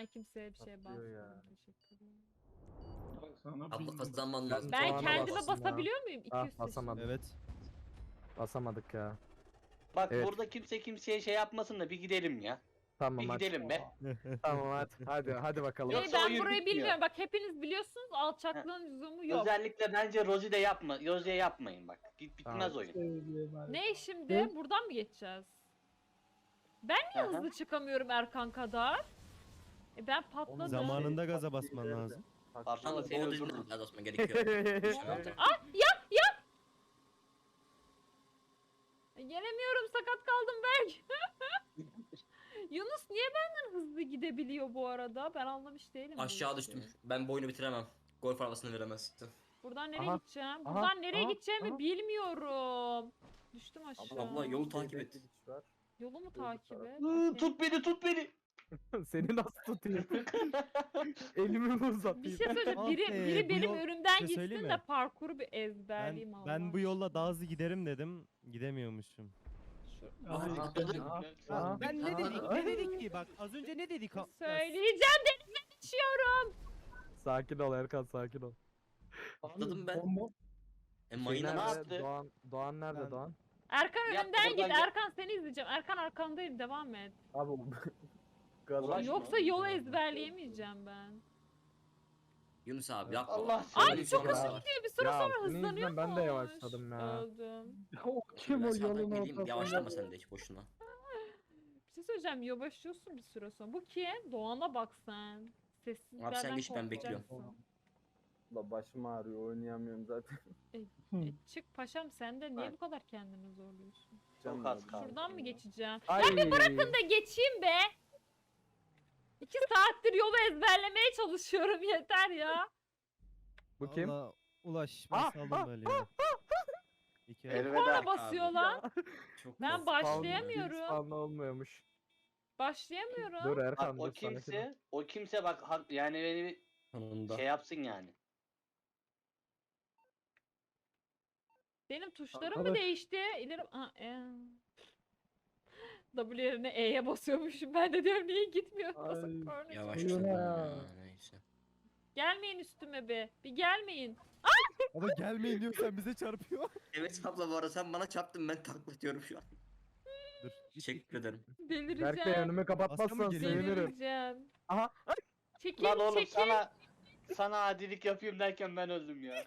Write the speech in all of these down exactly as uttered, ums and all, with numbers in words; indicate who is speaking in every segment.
Speaker 1: Ben kimseye bir şey
Speaker 2: Atlıyor ya.
Speaker 1: basmadım. Teşekkür ederim.
Speaker 3: Sana
Speaker 4: Abla
Speaker 3: bildim.
Speaker 4: kazanman lazım.
Speaker 1: Ben
Speaker 2: Doğan'a
Speaker 1: kendime
Speaker 2: bastım ya.
Speaker 1: basabiliyor muyum? iki
Speaker 2: Ah,
Speaker 1: yüz
Speaker 2: basamadım.
Speaker 1: seçim.
Speaker 5: Evet.
Speaker 2: Basamadık ya.
Speaker 6: Bak
Speaker 2: Evet.
Speaker 6: burada kimse kimseye şey yapmasın da bir gidelim ya.
Speaker 2: Tamam
Speaker 6: Bir
Speaker 2: hadi.
Speaker 6: gidelim be.
Speaker 2: Tamam hadi. Hadi hadi bakalım.
Speaker 1: Hey,
Speaker 6: Yoksa
Speaker 1: ben
Speaker 6: oyun
Speaker 1: burayı
Speaker 6: bitmiyor.
Speaker 1: bilmiyorum. Bak hepiniz biliyorsunuz. Alçaklığın lüzumu yok.
Speaker 6: Özellikle bence Rosie de yapma. Rosie'ye yapmayın bak. Git bitmez
Speaker 2: Tamam.
Speaker 6: oyun.
Speaker 1: Ne şimdi? Buradan mı geçeceğiz? Ben niye
Speaker 6: Aha.
Speaker 1: hızlı çıkamıyorum Erkan kadar? E ben patladım.
Speaker 5: Zamanında gaza basman lazım.
Speaker 6: Baksana
Speaker 4: Ama
Speaker 6: seni
Speaker 4: doğru
Speaker 6: öldürürüm.
Speaker 4: düzgün gaza basman gerekiyor.
Speaker 1: Ah yap yap. E, Gelemiyorum, sakat kaldım Berk. Yunus niye benden hızlı gidebiliyor bu arada? Ben anlamış değilim. bu
Speaker 4: Aşağı
Speaker 1: işi.
Speaker 4: düştüm. Ben bu oyunu bitiremem. Golf arabasını veremezsin.
Speaker 1: Buradan nereye
Speaker 2: Aha,
Speaker 1: gideceğim?
Speaker 2: aha,
Speaker 1: Buradan nereye
Speaker 2: aha,
Speaker 1: gideceğimi
Speaker 2: aha.
Speaker 1: bilmiyorum. Düştüm aşağı.
Speaker 4: Abla yolu takip et.
Speaker 1: Yolu mu takip et?
Speaker 6: Iı,
Speaker 1: Okey.
Speaker 6: Tut beni tut beni.
Speaker 2: Seni nasıl tutayım? Elimi mi uzatayım?
Speaker 1: Bir şey söyleyeceğim.
Speaker 5: Ah
Speaker 1: Biri,
Speaker 5: be,
Speaker 1: biri
Speaker 5: bu
Speaker 1: benim
Speaker 5: yol-
Speaker 1: önümden
Speaker 5: bir şey söyleyeyim
Speaker 1: gitsin de
Speaker 5: mi?
Speaker 1: parkuru bir
Speaker 5: Ben,
Speaker 1: ezberleyeyim Allah.
Speaker 5: ben bu yolla daha hızlı giderim dedim. Gidemiyormuşum.
Speaker 3: Ay,
Speaker 2: Aha,
Speaker 5: Ha, ben ne
Speaker 2: aha.
Speaker 5: dedik? Ne dedik ki? Bak az önce ne dedik? Ha-
Speaker 1: Söyleyeceğim, denize düşüyorum.
Speaker 2: Sakin ol Erkan, sakin ol.
Speaker 4: Atladım ben.
Speaker 3: Bomba.
Speaker 4: E
Speaker 2: Şey
Speaker 4: mayına
Speaker 6: ne
Speaker 2: nerede?
Speaker 6: yaptı?
Speaker 2: Doğan, Doğan nerede
Speaker 5: Ben-
Speaker 2: Doğan?
Speaker 1: Erkan
Speaker 6: Yap,
Speaker 1: önümden git.
Speaker 6: buradan gel.
Speaker 1: Erkan seni izleyeceğim. Erkan arkandayım, devam et.
Speaker 2: Abi gaza.
Speaker 6: Ulaşma.
Speaker 1: Yoksa yolu ezberleyemeyeceğim ben.
Speaker 4: Yunus abi yapma.
Speaker 6: Allah
Speaker 1: Ay
Speaker 4: Benim
Speaker 1: çok
Speaker 4: sonrası
Speaker 1: hızlı
Speaker 4: var.
Speaker 1: gidiyor. Bir süre
Speaker 2: Ya,
Speaker 1: sonra
Speaker 2: senin yüzünden
Speaker 1: hızlanıyor
Speaker 2: ben de
Speaker 1: mu?
Speaker 2: yavaşladım ya.
Speaker 1: Öldüm.
Speaker 3: O kim
Speaker 4: Ben
Speaker 3: o
Speaker 4: sağdan
Speaker 3: yolun
Speaker 4: geleyim.
Speaker 3: ortasında?
Speaker 4: Yavaşlama sen de hiç boşuna.
Speaker 1: Bir şey söyleyeceğim. Yavaşlıyorsun bir süre sonra. Bu kim? Doğan'a bak sen. Sessizlerden
Speaker 4: Abi sen geç, ben bekliyorum.
Speaker 1: korkacaksın.
Speaker 2: La başım ağrıyor, oynayamıyorum zaten.
Speaker 1: E, çık paşam, sen de niye bu kadar kendini zorluyorsun?
Speaker 6: Çok az kaldı.
Speaker 1: Şuradan mı geçeceğim?
Speaker 2: Ay.
Speaker 1: Ya bir bırakın da geçeyim be. İki saattir yolu ezberlemeye çalışıyorum, yeter ya.
Speaker 2: Bu kim?
Speaker 5: Allah, Ulaş ben
Speaker 2: Ah,
Speaker 5: saldım
Speaker 2: ah,
Speaker 5: böyle ya. İki ay-
Speaker 6: Elveda.
Speaker 1: Korna basıyor lan.
Speaker 4: Çok
Speaker 1: Ben
Speaker 4: korktum.
Speaker 1: başlayamıyorum.
Speaker 2: Spawn'da olmuyormuş.
Speaker 1: Başlayamıyorum.
Speaker 2: Dur
Speaker 6: Bak
Speaker 2: Erkan
Speaker 6: o
Speaker 2: dur sakin ol.
Speaker 6: kimse, o kimse bak hak- yani beni bir
Speaker 4: Sonunda.
Speaker 6: şey yapsın yani.
Speaker 1: Benim tuşlarım mı
Speaker 3: Arkadaş-
Speaker 1: değişti? İleri... Ha, e. W yerine E'ye basıyormuşum. Ben de diyorum niye gitmiyor?
Speaker 3: Ay.
Speaker 1: Basıp korna
Speaker 4: Yavaş
Speaker 1: çalıyor.
Speaker 3: Yürü
Speaker 4: ya.
Speaker 3: ya.
Speaker 4: Neyse.
Speaker 1: Gelmeyin üstüme be. Bir gelmeyin.
Speaker 5: Ama gelmeyin diyor sen bize çarpıyor.
Speaker 4: Evet abla bu arada sen bana çarptın, ben taklatıyorum şu an.
Speaker 5: Dur. git,
Speaker 4: Teşekkür ederim.
Speaker 2: Berk Bey
Speaker 1: Delireceğim.
Speaker 2: önümü kapatmazsan
Speaker 5: Aslında geliyor.
Speaker 2: sevinirim.
Speaker 1: Delireceğim.
Speaker 2: Aha.
Speaker 1: Çekil
Speaker 6: Lan oğlum
Speaker 1: çekil.
Speaker 6: sana sana adilik yapayım derken ben öldüm ya.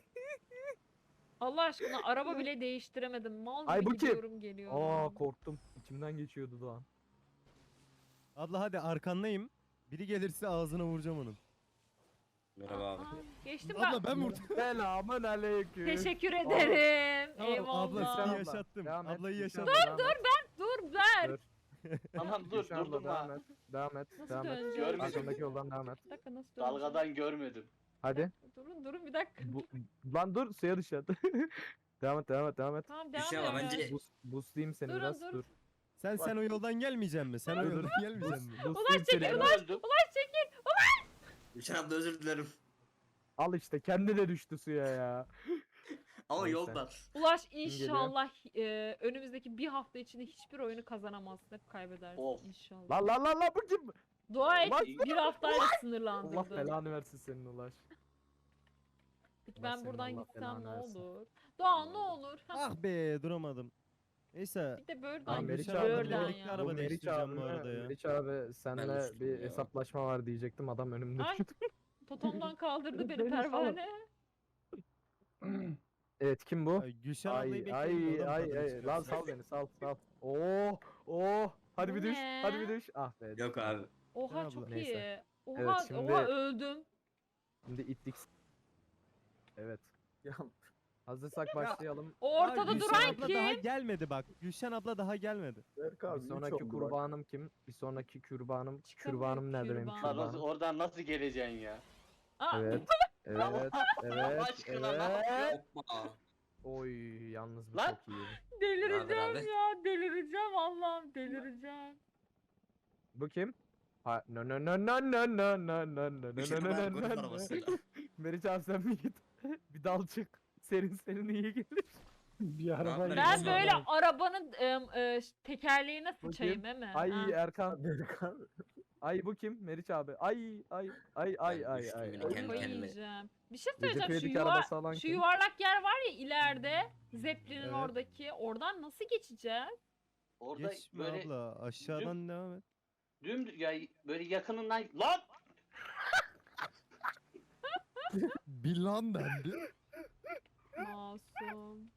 Speaker 1: Allah aşkına araba bile değiştiremedim. Mal
Speaker 2: Ay,
Speaker 1: gibi
Speaker 2: bu kim?
Speaker 1: gidiyorum geliyorum.
Speaker 2: Aa korktum. İçimden geçiyordu Doğan.
Speaker 5: Abla hadi arkandayım. Biri gelirse ağzına vuracağım onun.
Speaker 4: Merhaba abi.
Speaker 1: Aa, geçtim
Speaker 5: Abla
Speaker 1: ben.
Speaker 5: ben vurdum.
Speaker 2: Selamun aleyküm.
Speaker 1: Teşekkür ederim.
Speaker 5: Tamam, abla
Speaker 1: Eyvallah.
Speaker 5: seni
Speaker 2: Abla,
Speaker 5: yaşattım.
Speaker 2: devam et,
Speaker 5: Ablayı
Speaker 2: Gülşen
Speaker 5: yaşattım.
Speaker 2: abla, devam et.
Speaker 1: Dur ver.
Speaker 2: Dur.
Speaker 6: Tamam dur
Speaker 2: Gülşen abla,
Speaker 6: durdum
Speaker 2: devam
Speaker 6: ha.
Speaker 2: et. Devam et.
Speaker 1: Nasıl
Speaker 2: Devam et.
Speaker 1: döneceğim?
Speaker 6: Görmedim.
Speaker 2: Arkamdaki yoldan devam et.
Speaker 1: Bir dakika, nasıl döneceğim?
Speaker 6: Dalgadan görmedim.
Speaker 2: Hadi.
Speaker 1: Durun durun bir dakika.
Speaker 2: Bu, lan dur suya düşer. devam et devam et devam et.
Speaker 1: Tamam
Speaker 4: Bir şey
Speaker 1: devam
Speaker 4: ama
Speaker 1: et.
Speaker 4: bence-
Speaker 2: Boost, boostlayayım seni
Speaker 1: Durun,
Speaker 2: biraz.
Speaker 1: dur.
Speaker 2: Dur.
Speaker 5: Sen sen o yoldan gelmeyeceksin mi? Sen o
Speaker 2: Dur, dur.
Speaker 5: yoldan gelmeyeceksin mi?
Speaker 2: Boostlayayım seni
Speaker 6: Ben
Speaker 2: biraz.
Speaker 6: öldüm.
Speaker 4: Gülşen abla özür dilerim.
Speaker 2: Al işte kendi de düştü suya ya.
Speaker 4: Ama
Speaker 2: Neyse.
Speaker 4: yoldan.
Speaker 1: Ulaş
Speaker 2: geliyor?
Speaker 1: inşallah e, önümüzdeki bir hafta içinde hiçbir oyunu kazanamazsın. Hep kaybedersin
Speaker 6: Of.
Speaker 2: Lan
Speaker 1: inşallah.
Speaker 2: lan lan lan bu kim?
Speaker 1: Dua et
Speaker 2: Ulan-
Speaker 1: bir haftayla
Speaker 2: Allah
Speaker 1: sınırlandırdın.
Speaker 2: belanı versin senin Ulaş.
Speaker 1: Peki
Speaker 2: Allah
Speaker 1: ben
Speaker 2: senin
Speaker 1: buradan
Speaker 2: Allah
Speaker 1: gitsem
Speaker 2: belanı
Speaker 1: ne
Speaker 2: versin.
Speaker 1: olur? Doğan ne olur? Ha,
Speaker 5: Ah be duramadım. Neyse.
Speaker 1: bir de böyle
Speaker 2: Tamam,
Speaker 5: Ben
Speaker 2: Meriç
Speaker 5: Gülşen
Speaker 2: abi,
Speaker 5: abla
Speaker 1: Buradan
Speaker 5: birlikte
Speaker 1: ya.
Speaker 5: araba
Speaker 2: Bu Meriç
Speaker 5: değiştireceğim bu
Speaker 2: abime-
Speaker 5: arada ya.
Speaker 2: Meriç abi senle
Speaker 4: düştüm
Speaker 2: bir
Speaker 4: ya.
Speaker 2: hesaplaşma var diyecektim adam önümde
Speaker 1: Ay.
Speaker 2: düştü.
Speaker 1: totomdan kaldırdı beni
Speaker 2: Beni
Speaker 1: pervane.
Speaker 2: Evet kim bu?
Speaker 5: Ay, Gülşen ablayı
Speaker 2: Ay
Speaker 5: bekleyin.
Speaker 2: ay
Speaker 5: oradan
Speaker 2: ay
Speaker 5: tadını
Speaker 2: ay lan
Speaker 5: çıkarsın.
Speaker 2: sal beni sal sal. Oo oh hadi
Speaker 1: Bu
Speaker 2: bir düş
Speaker 1: ne?
Speaker 2: hadi bir düş. Ah be.
Speaker 4: Yok abi.
Speaker 1: Oha
Speaker 5: Abla.
Speaker 1: çok
Speaker 2: Neyse.
Speaker 1: iyi. Oha,
Speaker 2: Evet, şimdi-
Speaker 1: oha öldüm.
Speaker 2: Şimdi ittik. Evet. Hazırsak başlayalım.
Speaker 1: O
Speaker 5: Aa,
Speaker 1: ortada
Speaker 5: Gülşen
Speaker 1: duran
Speaker 5: abla daha
Speaker 1: kim?
Speaker 5: gelmedi bak. Gülşen abla daha gelmedi.
Speaker 2: Bir sonraki kurbanım kim? Bir sonraki kurbanım.
Speaker 1: Çıkamıyor,
Speaker 2: Kürbanım nerede benim
Speaker 1: kürban.
Speaker 6: Lan nasıl-
Speaker 2: kürbanım?
Speaker 6: oradan nasıl geleceksin ya?
Speaker 1: Aa,
Speaker 2: Evet. Evet.
Speaker 6: Allah
Speaker 2: Evet.
Speaker 6: aşkına, ne
Speaker 2: Evet.
Speaker 4: Hoppa.
Speaker 2: Oy yalnız bu
Speaker 6: Lan.
Speaker 2: çok iyi.
Speaker 1: delireceğim
Speaker 4: abi?
Speaker 1: ya, delireceğim Allah'ım, delireceğim.
Speaker 2: Bu kim? Ha no no no no no no no no no no
Speaker 4: Gülşen
Speaker 2: no
Speaker 4: abla
Speaker 2: no
Speaker 4: golf
Speaker 2: no no.
Speaker 4: arabasıyla.
Speaker 2: Meriç abi sen mi git? Bir dal çık. Serin serin iyi gelir.
Speaker 3: Bir araba.
Speaker 4: Ben
Speaker 1: Ben
Speaker 4: Neyse.
Speaker 1: böyle arabanın em, e, tekerleğine sıçayım değil mi?
Speaker 2: Ay
Speaker 1: Ha.
Speaker 2: Erkan. Ay bu kim? Meriç abi. Ay ay ay ay
Speaker 4: Ben
Speaker 2: ay
Speaker 4: düştüm
Speaker 2: ay.
Speaker 4: yine
Speaker 2: ay.
Speaker 4: kendi
Speaker 1: Kafayı
Speaker 4: kendime.
Speaker 1: yiyeceğim. Bir şey
Speaker 2: Recep
Speaker 1: söyleyeceğim. Şu,
Speaker 2: İvedik
Speaker 1: yuvar,
Speaker 2: arabası alan
Speaker 1: şu
Speaker 2: kim?
Speaker 1: yuvarlak yer var ya ileride. Zeppelin'in
Speaker 5: Evet.
Speaker 1: oradaki. Oradan nasıl geçeceğiz?
Speaker 6: Orada
Speaker 5: Geçme
Speaker 6: böyle
Speaker 5: abla aşağıdan devam et.
Speaker 6: dümdüz ya böyle yakınından lan
Speaker 5: Bilan dendi.
Speaker 1: Masum.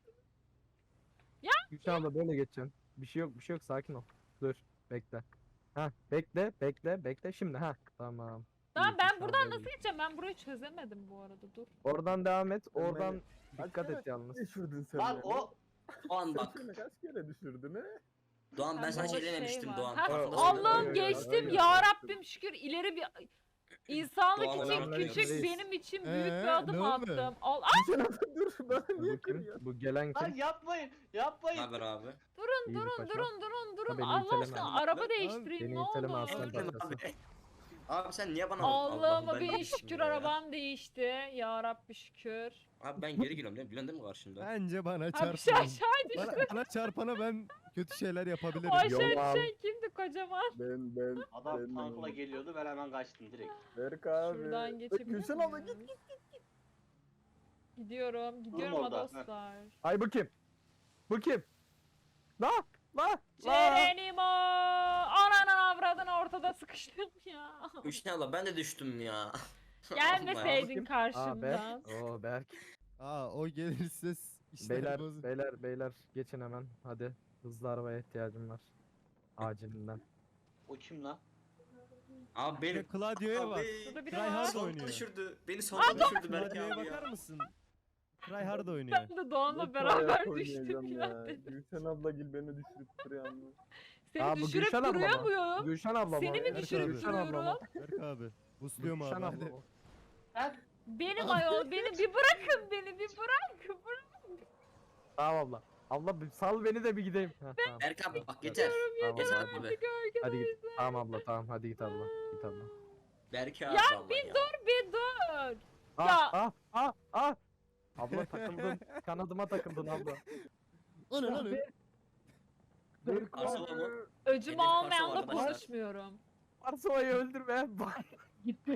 Speaker 2: Gülşen abla böyle geçeceksin. Bir şey yok bir şey yok sakin ol. Dur bekle. Ha bekle bekle bekle şimdi ha tamam.
Speaker 1: Tamam
Speaker 2: İyi,
Speaker 1: ben
Speaker 2: Gülşen
Speaker 1: buradan
Speaker 2: abla
Speaker 1: nasıl
Speaker 2: iyi.
Speaker 1: geçeceğim? Ben burayı çözemedim bu arada. Dur.
Speaker 2: Oradan devam et.
Speaker 7: Sen
Speaker 2: Oradan
Speaker 7: beni-
Speaker 2: dikkat
Speaker 7: Kaç
Speaker 2: et yalnız.
Speaker 7: kere düşürdün sen
Speaker 6: lan
Speaker 7: beni?
Speaker 6: o
Speaker 4: Doğan
Speaker 7: Sen
Speaker 4: bak.
Speaker 7: beni kaç kere düşürdün he?
Speaker 4: Doğan ben
Speaker 1: Ha,
Speaker 4: sana
Speaker 1: burada
Speaker 4: şey dememiştim
Speaker 1: var.
Speaker 4: Doğan.
Speaker 1: Ha,
Speaker 4: farkındasın
Speaker 2: Ay,
Speaker 4: değil mi?
Speaker 2: ay,
Speaker 1: Allah'ım
Speaker 2: ay,
Speaker 1: geçtim
Speaker 2: ay,
Speaker 1: ya
Speaker 2: ay.
Speaker 1: Rabbim şükür ileri bir insanlık
Speaker 4: Doğan
Speaker 1: için
Speaker 4: olarak
Speaker 1: küçük
Speaker 2: öyleyiz.
Speaker 1: benim için büyük
Speaker 5: Ee,
Speaker 1: bir adım
Speaker 5: ne oldu?
Speaker 1: attım. Al, ay,
Speaker 7: Gülşen abla dur bana niye
Speaker 2: Bu kim?
Speaker 7: kırıyorsun?
Speaker 2: Bu gelen
Speaker 6: lan
Speaker 2: kim?
Speaker 6: yapmayın
Speaker 4: Ne
Speaker 6: yapmayın.
Speaker 4: haber abi?
Speaker 1: durun
Speaker 2: İyi bir
Speaker 1: durun
Speaker 2: paşa.
Speaker 1: durun durun durun.
Speaker 2: beni
Speaker 1: Allah
Speaker 2: iteleme.
Speaker 1: aşkına
Speaker 4: Beni
Speaker 1: araba
Speaker 4: iteleme.
Speaker 1: değiştireyim
Speaker 2: Beni
Speaker 1: ne
Speaker 2: iteleme
Speaker 1: olur.
Speaker 2: aslan
Speaker 4: Abi,
Speaker 2: parçası.
Speaker 4: abi. Abi sen niye bana
Speaker 1: Allah'ıma
Speaker 4: ben
Speaker 1: bin
Speaker 4: değiştim
Speaker 1: şükür
Speaker 4: ya.
Speaker 1: arabam değişti. Ya Rabbi şükür.
Speaker 4: Abi ben geri geliyorum değil mi? Biliyorsun değil mi karşımda?
Speaker 5: Bence bana
Speaker 1: Ha bir
Speaker 5: çarpma.
Speaker 1: şey aşağı düştü.
Speaker 5: Bana, bana çarpana ben kötü şeyler
Speaker 1: O
Speaker 5: yapabilirim.
Speaker 1: aşağı
Speaker 2: Yalan.
Speaker 1: düşen kimdi kocaman?
Speaker 7: Ben ben
Speaker 6: Adam
Speaker 7: ben-
Speaker 6: tankla geliyordu ben hemen kaçtım direkt.
Speaker 7: Berk abi.
Speaker 1: Şuradan geçebilir
Speaker 7: Gülşen abla
Speaker 1: miyiz?
Speaker 7: git.
Speaker 1: Gidiyorum, gidiyorum
Speaker 6: orada,
Speaker 1: ha
Speaker 6: heh.
Speaker 1: dostlar.
Speaker 2: Ay bu kim? Bu kim? La la la.
Speaker 1: Cerenimo! Ananın avradını ortada sıkıştım ya.
Speaker 4: Gülşen abla ben de düştüm ya.
Speaker 1: Gelmeseydin
Speaker 2: Bakayım. Aa
Speaker 1: karşımdan.
Speaker 2: Berk. Oo Berk.
Speaker 5: Aa o gelirse s- işler
Speaker 2: Beyler
Speaker 5: bozulur.
Speaker 2: beyler beyler geçin hemen. Hadi. Hızlı arabaya ihtiyacım var. Acilinden.
Speaker 6: O kim lan?
Speaker 4: Abi benim.
Speaker 5: Claudio'ya bak.
Speaker 1: Burada biri
Speaker 5: Try
Speaker 1: var.
Speaker 5: hard
Speaker 4: Sonunda
Speaker 5: oynuyor.
Speaker 4: düşürdü. Beni sonunda düşürdü Berk
Speaker 5: Claudio'ya
Speaker 4: abi ya.
Speaker 5: bakar mısın? Try hard oynuyor.
Speaker 1: Ben de Doğan'la
Speaker 7: Yok,
Speaker 1: beraber
Speaker 7: ayak
Speaker 1: düştüm
Speaker 7: oynayacağım
Speaker 1: ya.
Speaker 7: Gülşen abla gel beni düşürüp duruyor ama.
Speaker 1: Seni
Speaker 2: Aa, bu
Speaker 1: düşürüp
Speaker 2: Gülşen abla
Speaker 1: duruyor
Speaker 2: mı?
Speaker 1: muyum?
Speaker 2: Gülşen abla mı?
Speaker 1: Seni mi
Speaker 5: Berk
Speaker 1: düşürüp
Speaker 5: abi.
Speaker 2: Gülşen abla mı?
Speaker 1: duruyorum?
Speaker 5: Berk abi. Busluyorum
Speaker 2: Gülşen
Speaker 5: abi
Speaker 2: abla
Speaker 5: hadi.
Speaker 2: mı?
Speaker 6: Ben
Speaker 1: Benim ayol, beni bir bırakın beni bir bırak. bırak.
Speaker 2: Tamam abla. Abla bir sal beni de bir gideyim. Heh, tamam.
Speaker 4: Berk abi bak yeter.
Speaker 2: Tamam
Speaker 4: Yeter
Speaker 2: abla, hadi.
Speaker 4: abi.
Speaker 2: Hadi git. Tamam abla tamam hadi git abla. Git abla.
Speaker 4: Berk abi
Speaker 1: Ya
Speaker 4: vallahi
Speaker 1: bir
Speaker 4: ya.
Speaker 1: dur bir dur.
Speaker 2: Ah
Speaker 1: Ya.
Speaker 2: ah ah ah. Abla takıldın. Kanadıma takıldın abla.
Speaker 5: O ne lan? öyle?
Speaker 2: Berk
Speaker 4: Arsala
Speaker 2: abi.
Speaker 4: mı?
Speaker 1: Öcümü
Speaker 4: Elif
Speaker 1: almayanla
Speaker 4: Karsal arkadaşlar.
Speaker 1: konuşmuyorum.
Speaker 2: Varsova'yı öldürme. Gitti.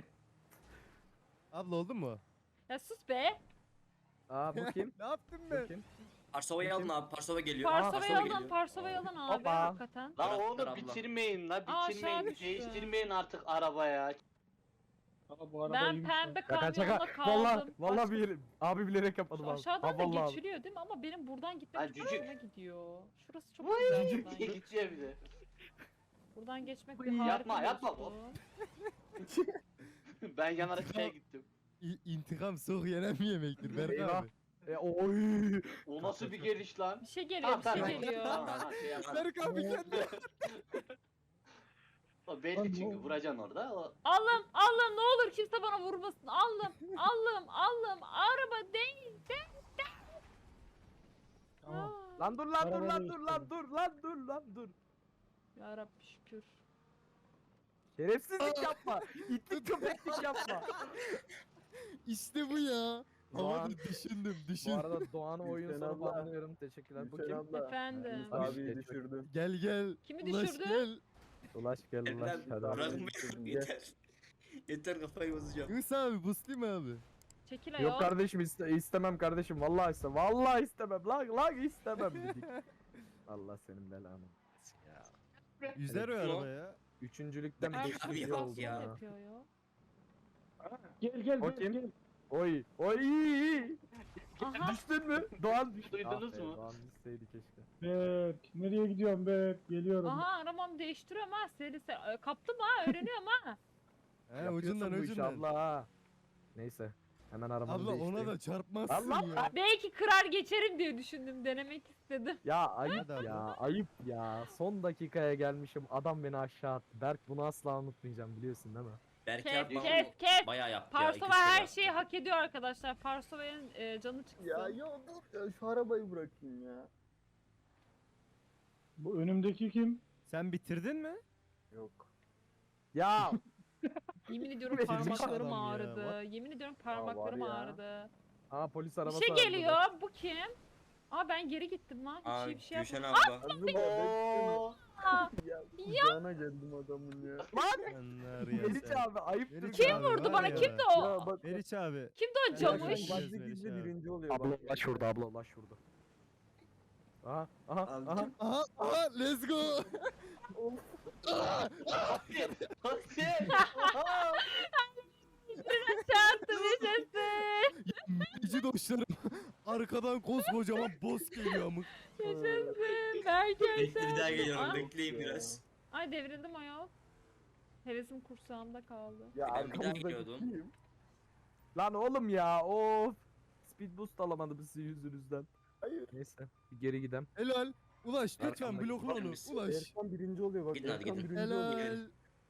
Speaker 5: Abla oldu mu?
Speaker 1: Ya sus be.
Speaker 2: Aa bu kim?
Speaker 5: Ne yaptın
Speaker 2: Bu
Speaker 5: be?
Speaker 2: kim?
Speaker 4: Parsova'yı alın abi. Parsova geliyor.
Speaker 1: Parsova'yı
Speaker 4: Parsova
Speaker 1: alın,
Speaker 4: geliyor.
Speaker 1: Parsova'yı alın abi
Speaker 2: Hoppa.
Speaker 1: hakikaten.
Speaker 6: lan
Speaker 4: Bıraktılar
Speaker 6: onu
Speaker 4: abla.
Speaker 6: bitirmeyin la
Speaker 1: Aa,
Speaker 6: bitirmeyin.
Speaker 1: aşağı düştü.
Speaker 6: Değiştirmeyin artık arabaya.
Speaker 3: Aa, bu araba
Speaker 1: Ben
Speaker 3: iyiymiş
Speaker 1: pembe
Speaker 3: ya.
Speaker 2: Şaka
Speaker 1: kamyonla
Speaker 2: şaka.
Speaker 1: kaldım.
Speaker 2: Valla valla
Speaker 1: Başka-
Speaker 2: bir abi bilerek yapmadım
Speaker 1: Şu
Speaker 2: abi.
Speaker 1: aşağıdan
Speaker 2: Ha,
Speaker 1: da
Speaker 2: vallahi abi.
Speaker 1: geçiliyor değil mi? Ama benim buradan gitmem
Speaker 6: Ha,
Speaker 1: çok
Speaker 6: cücük.
Speaker 1: hoşuma gidiyor. Şurası çok
Speaker 6: Vay,
Speaker 1: güzel
Speaker 6: diye
Speaker 1: buradan.
Speaker 6: geçiyor bir de.
Speaker 1: Buradan geçmek bir
Speaker 2: Yapma,
Speaker 1: harika
Speaker 6: yapma.
Speaker 1: dostum.
Speaker 6: Ben yanarak şeye gittim.
Speaker 5: İ- İntikam soğuk yenen bir yemektir Berk
Speaker 2: Eyvah.
Speaker 5: abi.
Speaker 2: E, oy.
Speaker 6: O nasıl bir geliş lan?
Speaker 1: Bir şey geliyor, bir
Speaker 6: Tamam,
Speaker 1: şey
Speaker 6: tamam.
Speaker 1: geliyor.
Speaker 6: Tamam, tamam, şey yapma.
Speaker 5: Berk abi kendi.
Speaker 6: O belli çünkü vuracaksın orada. O...
Speaker 1: Allah'ım, Allah'ım ne olur kimse bana vurmasın. Allah'ım, Allah'ım, Allah'ım. Araba değil, değil, değil.
Speaker 3: Tamam.
Speaker 1: Aa,
Speaker 2: Lan dur lan dur
Speaker 3: Araba
Speaker 2: lan dur lan
Speaker 3: değiştirdim.
Speaker 2: dur lan dur lan dur.
Speaker 1: Ya Rabbi şükür.
Speaker 2: Şerefsizlik yapma. İtlik köpeklik yapma.
Speaker 5: İşte bu ya.
Speaker 2: Doğan.
Speaker 5: Havada düşündüm
Speaker 2: Bu
Speaker 5: düşün.
Speaker 2: arada Doğan'ı oyun
Speaker 7: Gülşen
Speaker 2: sonu
Speaker 7: abla.
Speaker 2: bağlanıyorum. Teşekkürler. Bu
Speaker 7: Gülşen
Speaker 2: kim?
Speaker 7: abla.
Speaker 1: Efendim.
Speaker 7: Yunus
Speaker 2: Abi,
Speaker 7: abiyi
Speaker 2: geç
Speaker 7: düşürdün.
Speaker 5: Gel gel.
Speaker 1: Kimi
Speaker 5: Ulaş
Speaker 1: düşürdü?
Speaker 5: gel.
Speaker 2: Ulaş gel ulaş.
Speaker 4: Evlen
Speaker 2: Hadi abi.
Speaker 4: bırakmayın
Speaker 7: Gel.
Speaker 4: yeter. Yeter kafayı bozacağım.
Speaker 5: Yunus abi buslayım abi.
Speaker 1: Çekil ayol.
Speaker 2: Yok kardeşim iste, istemem kardeşim. Vallahi istemem. Vallahi istemem. Lan lan istemem dedik. Allah senin belanı. Ya.
Speaker 5: Yüzer o
Speaker 4: Evet.
Speaker 5: araba ya.
Speaker 2: Üçüncülükten
Speaker 4: Abi
Speaker 2: beşinci
Speaker 4: bak
Speaker 2: oldum
Speaker 4: ya.
Speaker 2: ya.
Speaker 1: Yapıyor ya.
Speaker 3: Gel gel
Speaker 2: O
Speaker 3: gel
Speaker 2: kim?
Speaker 3: gel.
Speaker 2: Oy oy iyi iyi.
Speaker 1: Aha.
Speaker 2: Düştün mü? Doğan düştü.
Speaker 6: Duydunuz
Speaker 2: Ah be,
Speaker 6: mu?
Speaker 2: Doğan düşseydi keşke.
Speaker 3: Berk nereye gidiyorsun Berk? Geliyorum.
Speaker 1: Aha arabamı değiştiriyorum ha. Seri seri. Ee, Kaptım ha. Öğreniyorum ha.
Speaker 5: He
Speaker 2: Yapıyorsun
Speaker 5: ucundan
Speaker 2: bu işi
Speaker 5: ucundan.
Speaker 2: abla ha. Neyse. Hemen arabamı
Speaker 5: Abla ona
Speaker 2: değiştireyim.
Speaker 5: da çarpmazsın
Speaker 2: Allah
Speaker 5: ya.
Speaker 1: Belki kırar geçerim diye düşündüm. Denemek istedim.
Speaker 2: Ya ayıp
Speaker 5: Hadi
Speaker 2: ya
Speaker 5: abla.
Speaker 2: ayıp ya. Son dakikaya gelmişim. Adam beni aşağı attı. Berk bunu asla unutmayacağım biliyorsun değil mi?
Speaker 4: Berk
Speaker 1: Kes
Speaker 4: abi bana
Speaker 1: kes kes.
Speaker 4: bayağı yaptı ya.
Speaker 1: Parsova
Speaker 4: iki üç kere
Speaker 1: her
Speaker 4: yaptı.
Speaker 1: şeyi hak ediyor arkadaşlar. Parsova'nın e, canı çıksın.
Speaker 7: Ya ya dur ya şu arabayı bırakayım ya.
Speaker 3: Bu önümdeki kim?
Speaker 5: Sen bitirdin mi?
Speaker 7: Yok.
Speaker 2: Ya
Speaker 1: Yemin ediyorum
Speaker 2: Verilmiş
Speaker 1: parmaklarım
Speaker 5: adam ya,
Speaker 1: ağrıdı.
Speaker 5: what?
Speaker 1: Yemin ediyorum parmaklarım
Speaker 7: ya.
Speaker 1: ağrıdı.
Speaker 2: Aa polis
Speaker 1: Bir
Speaker 2: arabası
Speaker 1: şey
Speaker 2: var burada.
Speaker 1: geliyor. Bu kim? Aa ben geri gittim lan. Bir
Speaker 4: Aa
Speaker 1: şey bir şey
Speaker 4: Gülşen
Speaker 1: yapmadım.
Speaker 4: abla.
Speaker 7: Azıma bekle. Ya kucağına geldim adamın ya.
Speaker 5: Anlar ya
Speaker 2: Meriç
Speaker 5: sen.
Speaker 2: abi ayıptır.
Speaker 5: Meriç
Speaker 1: Kim
Speaker 5: abi
Speaker 1: vurdu
Speaker 5: var
Speaker 1: bana?
Speaker 5: ya.
Speaker 1: Kimdi o?
Speaker 7: Ya bak
Speaker 5: Meriç abi.
Speaker 1: Kimdi o
Speaker 5: Ya
Speaker 1: camış?
Speaker 5: sen-
Speaker 7: gizli
Speaker 5: Meriç
Speaker 7: gizli
Speaker 5: abi.
Speaker 7: birinci oluyor
Speaker 2: Abla
Speaker 7: bak.
Speaker 2: ulaş şurada abla ulaş şurada. Aha aha
Speaker 4: Abi,
Speaker 2: aha.
Speaker 5: Aha aha let's go.
Speaker 6: Hadi. Hadi.
Speaker 1: Çarptım yaşasın.
Speaker 5: Meriç'i doşlarım. Arkadan koskocaman boss geliyor amık.
Speaker 1: Yaşasın. Berke
Speaker 4: Bekle bir daha geliyorum.
Speaker 1: Aa.
Speaker 4: Bekleyin biraz.
Speaker 1: Ay devrildim ayol. Hevesim kursağımda kaldı.
Speaker 7: Ya
Speaker 4: Ben bir daha
Speaker 7: arkamızdaki
Speaker 4: geliyordum.
Speaker 7: kim?
Speaker 2: Lan oğlum ya of. Speed boost alamadım sizin yüzünüzden.
Speaker 7: Hayır.
Speaker 2: Neyse bir geri gidem.
Speaker 5: Helal. Ulaş lütfen
Speaker 4: Arkamdaki
Speaker 5: blokla onu.
Speaker 4: bakmışsın.
Speaker 5: Ulaş.
Speaker 7: Erkan birinci oluyor bak.
Speaker 4: Gidin hadi
Speaker 7: Erkan
Speaker 4: gidin.
Speaker 7: birinci oluyor.
Speaker 5: Helal.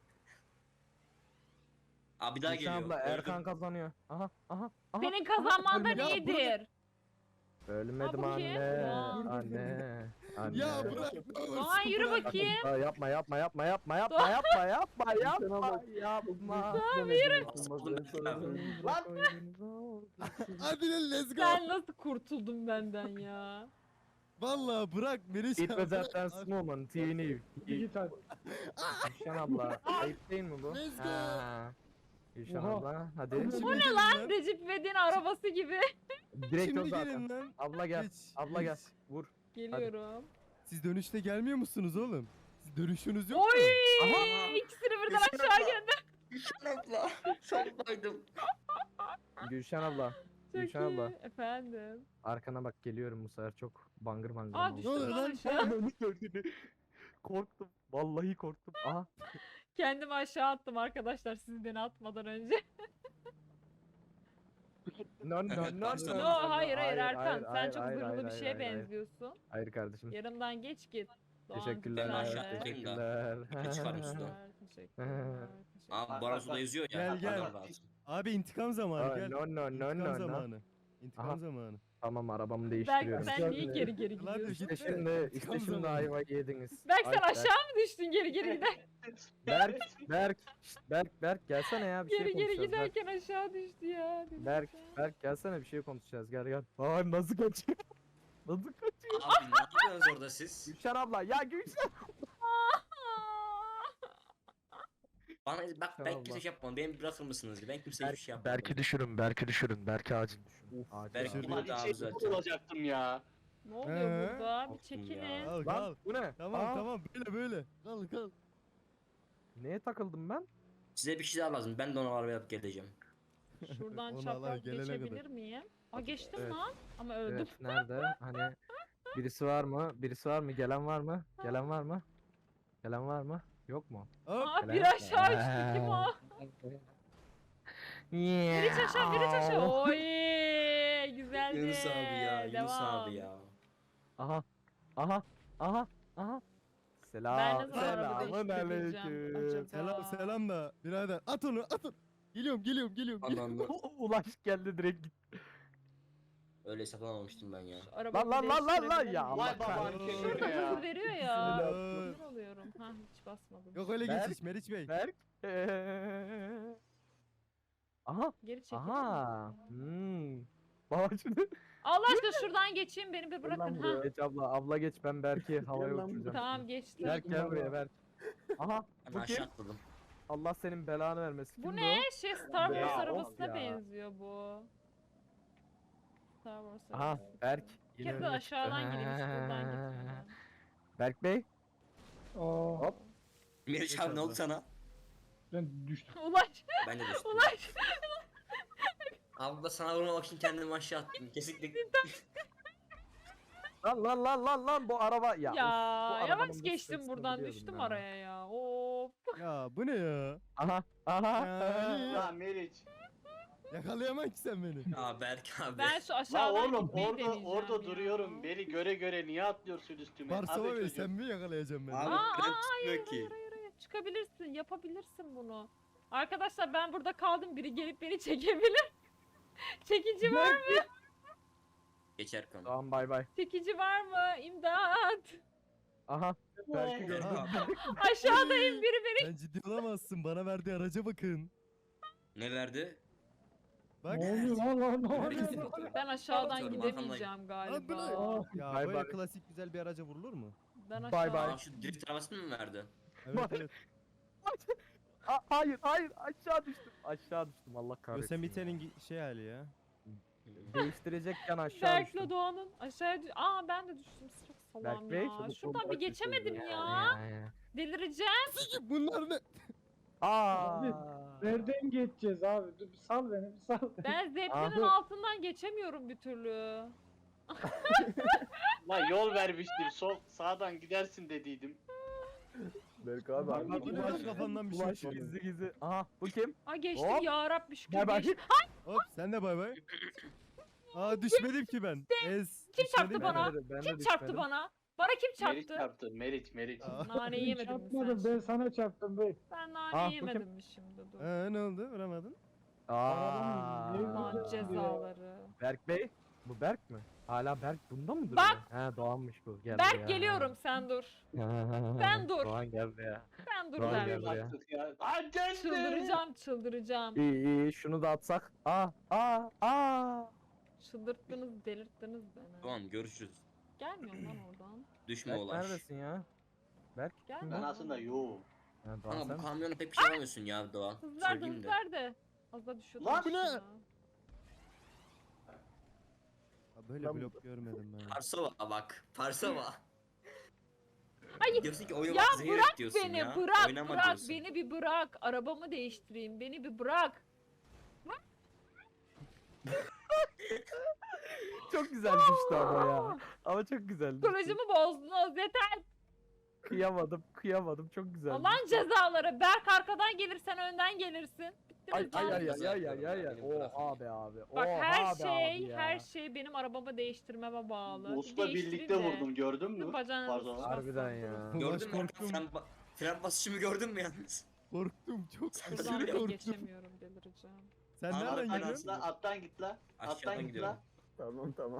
Speaker 4: Abi bir daha
Speaker 2: Gülşen
Speaker 4: geliyor.
Speaker 2: abla
Speaker 4: Öldüm.
Speaker 2: Erkan kazanıyor. Aha aha aha.
Speaker 1: Senin kazanmanda
Speaker 2: ölmedim.
Speaker 5: Ya
Speaker 1: iyidir.
Speaker 2: Ölmedim
Speaker 1: Aa, bu kim?
Speaker 2: anne.
Speaker 1: Aa.
Speaker 2: Anne. Anne.
Speaker 5: Ya bırak ne olursun
Speaker 1: Aa yürü
Speaker 5: bırak.
Speaker 1: bakayım.
Speaker 2: Aa, yapma yapma yapma yapma yapma yapma yapma yapma yapma.
Speaker 7: Tamam yürü.
Speaker 6: Lan.
Speaker 5: Hadi lan let's go.
Speaker 1: Sen nasıl kurtuldun benden ya?
Speaker 5: Vallahi bırak Meriç
Speaker 2: It
Speaker 5: abi.
Speaker 2: was a dance moment. Yeni.
Speaker 3: Hadi git hadi.
Speaker 2: Gülşen abla. Ayıp değil mi bu?
Speaker 5: Let's go.
Speaker 2: Ha. Gülşen
Speaker 3: Oha.
Speaker 2: abla hadi.
Speaker 5: Bu ne lan?
Speaker 1: Recep İvedik'in arabası gibi.
Speaker 2: Direkt o
Speaker 5: Şimdi
Speaker 2: zaten.
Speaker 5: gelin lan.
Speaker 2: Abla gel.
Speaker 5: Geç,
Speaker 2: Abla gel.
Speaker 5: geç.
Speaker 2: Vur.
Speaker 1: Geliyorum.
Speaker 5: Siz dönüşte gelmiyor musunuz oğlum? Siz dönüşünüz yok
Speaker 1: Oy!
Speaker 5: mu?
Speaker 2: Aha.
Speaker 1: İkisini birden
Speaker 4: Gülşen
Speaker 1: aşağı
Speaker 4: abla.
Speaker 1: gönder.
Speaker 4: Gülşen abla. Sondaydım.
Speaker 2: Gülşen abla.
Speaker 1: Çok
Speaker 2: Gülşen abla.
Speaker 1: iyi. Efendim.
Speaker 2: Arkana bak geliyorum bu sefer çok bangır bangır.
Speaker 1: Aa
Speaker 2: oldu.
Speaker 1: düştüm
Speaker 5: oluyor
Speaker 1: lan
Speaker 5: lan?
Speaker 1: aşağı.
Speaker 2: Korktum. Vallahi korktum. Aha.
Speaker 1: Kendimi aşağı attım arkadaşlar siz beni atmadan önce.
Speaker 2: No no no no.
Speaker 1: No hayır hayır Erkan sen
Speaker 2: hayır,
Speaker 1: çok
Speaker 2: hayır,
Speaker 1: zırhlı
Speaker 2: hayır,
Speaker 1: bir
Speaker 2: hayır,
Speaker 1: şeye
Speaker 2: hayır, hayır.
Speaker 1: benziyorsun.
Speaker 2: Hayır kardeşim.
Speaker 1: Yarımdan geç git. Doğancığım,
Speaker 2: Teşekkürler.
Speaker 4: Ben
Speaker 1: sen
Speaker 4: aşağı
Speaker 1: de.
Speaker 4: atlayayım da.
Speaker 2: Teşekkürler.
Speaker 4: Ne çıkarım sudan?
Speaker 1: Teşekkürler, teşekkürler,
Speaker 4: Abi
Speaker 1: teşekkürler.
Speaker 4: Barasu'da yazıyor ya.
Speaker 5: Gel, gel.
Speaker 4: adam lazım.
Speaker 5: Abi intikam zamanı
Speaker 2: Aa,
Speaker 5: gel.
Speaker 2: no no no
Speaker 5: İntikam
Speaker 2: no no.
Speaker 5: zamanı. İntikam
Speaker 2: Aha.
Speaker 5: zamanı.
Speaker 2: Tamam arabamı
Speaker 1: Berk
Speaker 2: değiştiriyorum.
Speaker 1: sen niye geri geri
Speaker 5: Lan
Speaker 1: gidiyorsun?
Speaker 5: git.
Speaker 2: İşte şimdi, işte
Speaker 5: Tam
Speaker 2: şimdi
Speaker 5: zamanı.
Speaker 2: ayva yediniz.
Speaker 1: Berk sen
Speaker 2: Ay,
Speaker 1: aşağı mı düştün geri geri gider?
Speaker 2: Berk, Berk, şşt, Berk, Berk gelsene ya bir şey
Speaker 1: Geri geri
Speaker 2: konuşacağız. Berk,
Speaker 1: giderken aşağı düştü ya. dedim
Speaker 2: Berk,
Speaker 1: ya.
Speaker 2: Berk gelsene bir şey konuşacağız. Gel gel. Aa nasıl kaçıyor? Nasıl kaçıyor?
Speaker 4: Abi ne yapıyorsunuz orada siz?
Speaker 2: Gülşen abla ya Gülşen.
Speaker 4: Bana bak ben
Speaker 2: Tamam,
Speaker 4: kimse
Speaker 2: bak.
Speaker 4: şey yapmam. Beni bırakır mısınız? Ben kimseye hiçbir şey yapmam.
Speaker 2: Berk'i düşürün, Berk'i düşürün. Berk'i acil düşürün. Acil.
Speaker 4: Berk
Speaker 2: acil.
Speaker 4: kim
Speaker 6: Ulan
Speaker 4: oldu abi
Speaker 6: içeri
Speaker 4: zaten?
Speaker 6: olacaktım ya.
Speaker 1: Ne oluyor
Speaker 5: Ee?
Speaker 1: burada? Bir
Speaker 4: Korktum ya.
Speaker 1: çekinin.
Speaker 5: Kal kal.
Speaker 2: Lan bu ne?
Speaker 5: Tamam
Speaker 2: Aa,
Speaker 5: tamam böyle böyle. Kal kal.
Speaker 2: Neye takıldım ben?
Speaker 4: Size bir şey daha lazım. Ben de onu arabaya alıp geleceğim.
Speaker 1: Şuradan
Speaker 5: Onu
Speaker 1: çapraz
Speaker 5: Allah gelene
Speaker 1: geçebilir
Speaker 5: kadar.
Speaker 1: miyim? Aa geçtim
Speaker 2: Evet.
Speaker 1: lan. Ama öldüm.
Speaker 2: Evet nerede? Hani birisi var mı? Birisi var mı? Gelen var mı? Gelen var mı? Gelen var mı? Yok mu?
Speaker 5: Hop.
Speaker 1: Aa bir aşağı uçtu kim o? Biri aşağı biri aşağı. Oy güzeldi.
Speaker 4: Yunus abi ya. Yunus
Speaker 1: Devam.
Speaker 4: abi ya.
Speaker 2: Aha. Aha. Aha. Aha.
Speaker 1: Ben
Speaker 2: Selam.
Speaker 1: ne zaman araba
Speaker 2: Selamun
Speaker 1: değiştirebileceğim
Speaker 2: aleyküm.
Speaker 1: acaba?
Speaker 5: Selam selam da birader at onu at onu. Geliyorum geliyorum geliyorum. geliyorum.
Speaker 4: Allah'ım.
Speaker 2: Ulaş geldi direkt git.
Speaker 4: Öyle hesaplamamıştım ben ya.
Speaker 1: Şu arabamı
Speaker 2: Lan, lan, lan, lan, lan,
Speaker 1: değiştirebilir
Speaker 2: ya
Speaker 1: miyim?
Speaker 2: Allah
Speaker 6: Vay baban
Speaker 5: kahretsin.
Speaker 6: kemeri
Speaker 1: Şurada
Speaker 6: ya.
Speaker 1: hızı veriyor ya.
Speaker 5: Bismillah.
Speaker 1: Sinir oluyorum. Ha hiç basmadım.
Speaker 5: Yok öyle
Speaker 2: Berk.
Speaker 5: geçiş Meriç Bey.
Speaker 2: Berk. Eee. Aha.
Speaker 1: Geri çekilir
Speaker 2: Aha.
Speaker 1: misin?
Speaker 2: Hmm. Baba şimdi.
Speaker 1: Allah aşkına şuradan geçeyim beni bir bırakın. Ha.
Speaker 7: buraya.
Speaker 2: Geç abla. Abla geç ben Berk'i havaya
Speaker 7: lan
Speaker 2: uçuracağım.
Speaker 1: Tamam geçtim.
Speaker 2: Berk gel buraya Berk. Aha.
Speaker 4: Ben
Speaker 2: Bu
Speaker 4: aşağı
Speaker 2: kim?
Speaker 4: atladım.
Speaker 2: Allah senin belanı vermesin.
Speaker 1: Bu
Speaker 2: Kimdi
Speaker 1: ne? Şey Star Wars
Speaker 2: Ya,
Speaker 1: arabasına
Speaker 2: of ya.
Speaker 1: benziyor bu. Star Wars
Speaker 2: o? Aha.
Speaker 1: arabası.
Speaker 2: Berk.
Speaker 1: Bir
Speaker 2: yine
Speaker 1: kere de
Speaker 2: önüme
Speaker 1: aşağıdan
Speaker 2: çıktı.
Speaker 1: gireyim hiç buradan gitmeden.
Speaker 2: Berk Bey.
Speaker 3: Aa,
Speaker 2: Hop.
Speaker 4: Meriç abi ne oldu sana?
Speaker 3: ben düştüm.
Speaker 1: Ulaş.
Speaker 4: Ben de düştüm.
Speaker 1: Ulaş.
Speaker 4: Abi da sana vurmamak için kendimi aşağı attım. Kesinlikle.
Speaker 2: Lan lan lan lan lan bu araba ya.
Speaker 1: Ya,
Speaker 2: of, bu arabanın
Speaker 1: yavaş
Speaker 2: bu
Speaker 1: geçtim
Speaker 2: sesini
Speaker 1: buradan
Speaker 2: biliyordum
Speaker 1: düştüm
Speaker 2: ya.
Speaker 1: araya ya. Of.
Speaker 5: Ya bu ne ya?
Speaker 2: Aha aha.
Speaker 5: Ya.
Speaker 6: Lan Meriç.
Speaker 5: Yakalayamam ki sen beni.
Speaker 4: Aa Berk abi.
Speaker 1: Ben şu
Speaker 6: La
Speaker 1: aşağıdan
Speaker 6: oğlum
Speaker 1: gitmeyi
Speaker 6: orada
Speaker 1: deneyeceğim
Speaker 6: orada
Speaker 1: ya.
Speaker 6: duruyorum. Beni göre göre niye atlıyorsun üstüme?
Speaker 5: Varsova
Speaker 6: Abi
Speaker 5: Bey
Speaker 6: çocuk.
Speaker 5: sen mi yakalayacaksın beni?
Speaker 4: Abi
Speaker 1: Aa,
Speaker 4: ben
Speaker 1: aa,
Speaker 4: tutmuyor ki.
Speaker 1: Hayır hayır hayır çıkabilirsin yapabilirsin bunu. Arkadaşlar ben burada kaldım biri gelip beni çekebilir. Çekici var mı?
Speaker 4: Geçer konu.
Speaker 2: Tamam bay bay.
Speaker 1: Çekici var mı? İmdat.
Speaker 2: Aha. Berk'i
Speaker 4: Berk
Speaker 2: gördüm.
Speaker 4: abi.
Speaker 1: Aşağıdayım biri beni.
Speaker 5: Sen ciddi olamazsın. Bana verdiği araca bakın.
Speaker 4: Ne verdi?
Speaker 5: Bak.
Speaker 3: Ne oluyor lan lan ne oluyor?
Speaker 4: Neredesin?
Speaker 1: Ben aşağıdan
Speaker 4: Atıyorum,
Speaker 1: gidemeyeceğim
Speaker 5: Lan bu ne?
Speaker 1: galiba.
Speaker 5: Ya
Speaker 2: Bay
Speaker 5: böyle
Speaker 2: bay.
Speaker 5: klasik güzel bir araca vurulur mu?
Speaker 1: Ben aşağı.
Speaker 2: Bye bye.
Speaker 4: Aa şu drift arabasını mı verdi?
Speaker 5: Evet evet.
Speaker 2: Aa, hayır hayır aşağı düştüm. Aşağı düştüm Allah kahretsin.
Speaker 5: Yosemite'nin gi- şey hali ya.
Speaker 2: Değiştirecekken aşağı
Speaker 1: Berk'le
Speaker 2: düştüm.
Speaker 1: Doğan'ın aşağıya düş... Aa ben de düştüm. Çok
Speaker 2: Berk
Speaker 1: salam
Speaker 2: Bey,
Speaker 1: ya.
Speaker 2: çabuk
Speaker 1: Şuradan
Speaker 2: olun,
Speaker 1: bir
Speaker 2: Berk Bey,
Speaker 1: geçemedim
Speaker 2: çabuk.
Speaker 1: ya.
Speaker 2: Ya, ya.
Speaker 1: Delireceğim.
Speaker 5: Bunlar ne?
Speaker 2: Aa.
Speaker 3: Nereden geçeceğiz abi? Dur bir sal beni bir sal beni.
Speaker 1: Ben zeplinin
Speaker 2: Abi.
Speaker 1: altından geçemiyorum bir türlü.
Speaker 6: Lan yol vermiştim. Sol sağdan gidersin dediydim.
Speaker 7: Berk abi
Speaker 2: Bak,
Speaker 7: abi.
Speaker 2: bak,
Speaker 5: Bu ne lan kafandan bir şey
Speaker 2: Ulaş
Speaker 5: çıktı.
Speaker 2: gizli gizli. Aha bu kim?
Speaker 1: Ay geçtim
Speaker 2: Hop.
Speaker 1: ya Rabbi şükür
Speaker 2: Bay bay.
Speaker 1: geçtim.
Speaker 5: Hop sen de bay bay. Aa düşmedim ki ben. Ez.
Speaker 1: Kim çarptı
Speaker 5: düşmedim
Speaker 1: bana?
Speaker 5: ben.
Speaker 2: Ben de- ben de
Speaker 1: Kim çarptı
Speaker 2: düşmedim.
Speaker 1: bana? Bana kim
Speaker 6: Meriç
Speaker 1: çarptı?
Speaker 6: çarptı. Meriç Meriç.
Speaker 5: Aa.
Speaker 1: Nane yemedim mi
Speaker 3: Çarpmadım
Speaker 1: sen?
Speaker 3: ben sana çarptım bey.
Speaker 1: Ben nane
Speaker 2: Ah, bu
Speaker 1: yemedim
Speaker 2: kim?
Speaker 1: mi şimdi? Dur.
Speaker 5: Aa ne oldu? Vuramadın.
Speaker 2: Aa.
Speaker 1: Aman
Speaker 3: Aa.
Speaker 1: cezaları.
Speaker 2: Berk Bey. Bu Berk mi? Hala Berk bunda mı duruyor?
Speaker 1: Bak.
Speaker 2: He Doğan'mış bu. Gel
Speaker 1: Berk
Speaker 2: buraya.
Speaker 1: geliyorum sen dur.
Speaker 2: Ben
Speaker 1: Ben dur.
Speaker 2: Doğan gel buraya.
Speaker 1: Ben dur
Speaker 2: Doğan
Speaker 1: ben.
Speaker 2: gel buraya.
Speaker 6: Baktık ya. Aa geldi.
Speaker 1: Çıldıracağım çıldıracağım.
Speaker 2: İyi iyi şunu da atsak. Aa aa aa.
Speaker 1: Çıldırttınız delirttiniz beni.
Speaker 4: Tamam görüşürüz.
Speaker 1: Gelmiyorum lan oradan.
Speaker 4: Düşme
Speaker 2: Berk
Speaker 4: Ulaş.
Speaker 2: neredesin ya? Berk.
Speaker 1: Gelmiyorum.
Speaker 6: Ben
Speaker 1: lan
Speaker 6: aslında
Speaker 1: oradan.
Speaker 6: yoğum.
Speaker 2: Ha, Doğan
Speaker 4: Ama
Speaker 2: sen
Speaker 4: bu
Speaker 2: misin?
Speaker 4: kamyona pek bir şey alamıyorsun ya Doğan.
Speaker 1: Hızlar da
Speaker 4: Söyleyeyim de.
Speaker 1: hızlar da. Az da düşüyordum.
Speaker 6: Lan bu ne?
Speaker 1: aşağı.
Speaker 5: Aa, böyle
Speaker 7: Ben-
Speaker 5: blok görmedim ben.
Speaker 4: Parsova bak. Parsova.
Speaker 1: Ay,
Speaker 4: diyorsun ki
Speaker 1: ya
Speaker 4: oynamak zehir et diyorsun
Speaker 1: Beni
Speaker 4: ya.
Speaker 1: bırak
Speaker 4: Oynama
Speaker 1: bırak
Speaker 4: diyorsun.
Speaker 1: beni bir bırak. Arabamı değiştireyim beni bir bırak.
Speaker 2: Çok güzel düştü ama ya. Ama çok güzel düştü.
Speaker 1: Psikolojimi bozdunuz yeter.
Speaker 2: Kıyamadım, kıyamadım. Çok güzel.
Speaker 1: Allah'ın
Speaker 2: düştü.
Speaker 1: cezaları. Berk arkadan gelirsen önden gelirsin.
Speaker 2: Ay
Speaker 1: Bittiniz
Speaker 2: ay
Speaker 1: lan.
Speaker 2: ay ay ay ay ay ay.
Speaker 4: Benim bırakın.
Speaker 2: Oha be abi.
Speaker 1: Bak
Speaker 2: Oha
Speaker 1: her
Speaker 2: be
Speaker 1: şey
Speaker 2: abi ya.
Speaker 1: her şey benim arabamı değiştirmeme bağlı.
Speaker 6: Usta
Speaker 1: Değiştireyim
Speaker 6: birlikte
Speaker 1: de.
Speaker 6: vurdum gördün mü?
Speaker 1: Sizin bacağınızı
Speaker 6: Pardon.
Speaker 1: sıkasın.
Speaker 2: Harbiden ya.
Speaker 5: Ulaş
Speaker 4: Gördün mü?
Speaker 5: korktum.
Speaker 4: Fren, ba- fren basışımı gördün mü yalnız?
Speaker 5: Korktum çok.
Speaker 4: Sen
Speaker 5: aşırı
Speaker 1: Buradan bile
Speaker 5: korktum.
Speaker 1: geçemiyorum delireceğim.
Speaker 5: Sen
Speaker 4: Aa,
Speaker 5: nereden
Speaker 6: Alttan
Speaker 5: geliyorsun?
Speaker 6: git la, alttan git la. Alttan
Speaker 4: Aşağıdan
Speaker 6: git
Speaker 4: gidiyorum.
Speaker 6: la.
Speaker 7: Tamam tamam.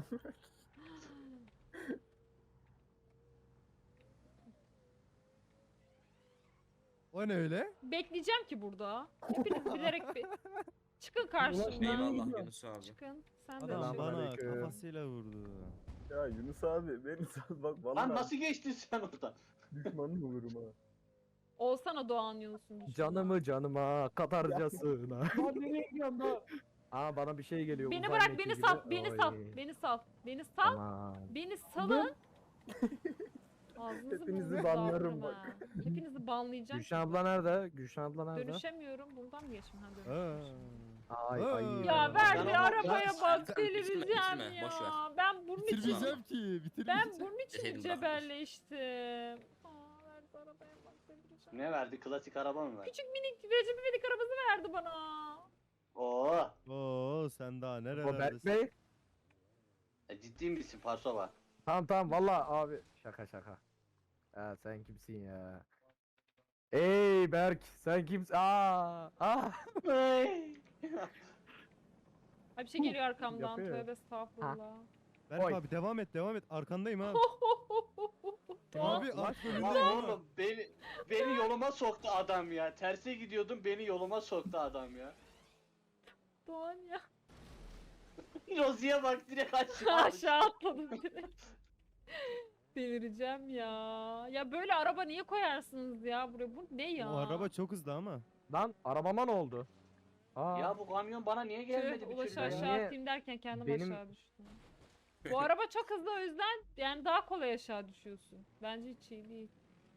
Speaker 5: O ne öyle?
Speaker 1: Bekleyeceğim ki burada. Hepiniz bilerek be- çıkın
Speaker 3: Ulaş
Speaker 1: karşımdan.
Speaker 3: ne
Speaker 4: Eyvallah
Speaker 3: gidiyor?
Speaker 4: Yunus abi.
Speaker 1: Çıkın. Sen de
Speaker 5: Adam
Speaker 1: çık.
Speaker 5: bana
Speaker 2: Selamünaleyküm.
Speaker 5: kafasıyla vurdu.
Speaker 7: Ya Yunus abi beni sal bak vallahi
Speaker 6: Lan nasıl geçtin sen oradan?
Speaker 7: düşmanın olurum ha.
Speaker 1: Olsana Doğan Yunus'un düşmanı.
Speaker 2: Canımı canıma katarcasına.
Speaker 3: Lan nereye gidiyorsun lan?
Speaker 2: Aa bana bir şey geliyor.
Speaker 1: Beni
Speaker 2: uzay
Speaker 1: bırak
Speaker 2: mekiği
Speaker 1: beni
Speaker 2: gibi.
Speaker 1: sal. Beni sal.
Speaker 2: Oy.
Speaker 1: Beni sal. Beni sal.
Speaker 2: Tamam.
Speaker 1: Beni salın. Ağzınızı
Speaker 7: Hepinizi
Speaker 1: burnunuzu
Speaker 7: banlarım
Speaker 1: dağıtırım
Speaker 7: bak.
Speaker 1: ha. Hepinizi banlayacağım.
Speaker 2: Gülşen abla nerede? Gülşen abla nerede?
Speaker 1: Dönüşemiyorum. Buradan mı geçeyim? Ha
Speaker 5: Aa.
Speaker 1: dönüşüyorum.
Speaker 2: Ay
Speaker 5: Aa.
Speaker 2: ay.
Speaker 1: Ya ver
Speaker 6: Ben
Speaker 1: bir
Speaker 6: ama-
Speaker 1: arabaya
Speaker 4: Ben-
Speaker 1: bak
Speaker 4: Sen
Speaker 1: delireceğim
Speaker 4: bitirme, bitirme,
Speaker 1: ya.
Speaker 4: boş ver.
Speaker 1: Ben bunun için
Speaker 5: Bitirmeyeceğim ki.
Speaker 1: ben
Speaker 5: Bitirmeyeceğim.
Speaker 1: bunun için
Speaker 4: Deseydin
Speaker 1: mi
Speaker 4: bırakmış.
Speaker 1: cebelleştim? Aa ver bir arabaya bak delireceğim.
Speaker 6: Ne verdi? Klasik araba mı verdi?
Speaker 1: Küçük minik Recep İvedik arabası verdi bana.
Speaker 6: Oo.
Speaker 5: Oo sen daha
Speaker 2: O Berk
Speaker 5: nerelerdesin?
Speaker 2: Bey.
Speaker 6: E, ciddi misin Parsova?
Speaker 2: Tamam tamam valla abi. Şaka şaka. Ya sen kimsin ya? Ey Berk sen kimsin? Aa, aa.
Speaker 1: Ay bir şey geliyor arkamdan.
Speaker 2: Yapıyor.
Speaker 1: Tövbe estağfurullah.
Speaker 5: Berk
Speaker 2: Oy.
Speaker 5: abi devam et devam et. Arkandayım ha.
Speaker 1: Doğan,
Speaker 5: Abi
Speaker 2: Ulan-
Speaker 5: at
Speaker 6: Lan
Speaker 5: önündeyim ha.
Speaker 6: oğlum beni beni yoluma soktu adam ya. Terse gidiyordum beni yoluma soktu adam ya.
Speaker 1: Doğan ya.
Speaker 6: Rozi'ye bak direkt aşağı.
Speaker 1: Aşağı atladım direkt. Delireceğim ya. Ya böyle araba niye koyarsınız ya buraya? Bu ne ya?
Speaker 5: O araba çok hızlı ama.
Speaker 2: Lan arabama ne oldu? Aa.
Speaker 6: Ya bu kamyon bana niye gelmedi
Speaker 1: Tüh,
Speaker 6: bir
Speaker 1: Ulaş'ı
Speaker 6: türlü ya?
Speaker 1: aşağı
Speaker 2: Niye-
Speaker 1: atayım derken kendim
Speaker 2: benim-
Speaker 1: aşağı düştüm. Bu araba çok hızlı o yüzden yani daha kolay aşağı düşüyorsun. Bence hiç iyi değil.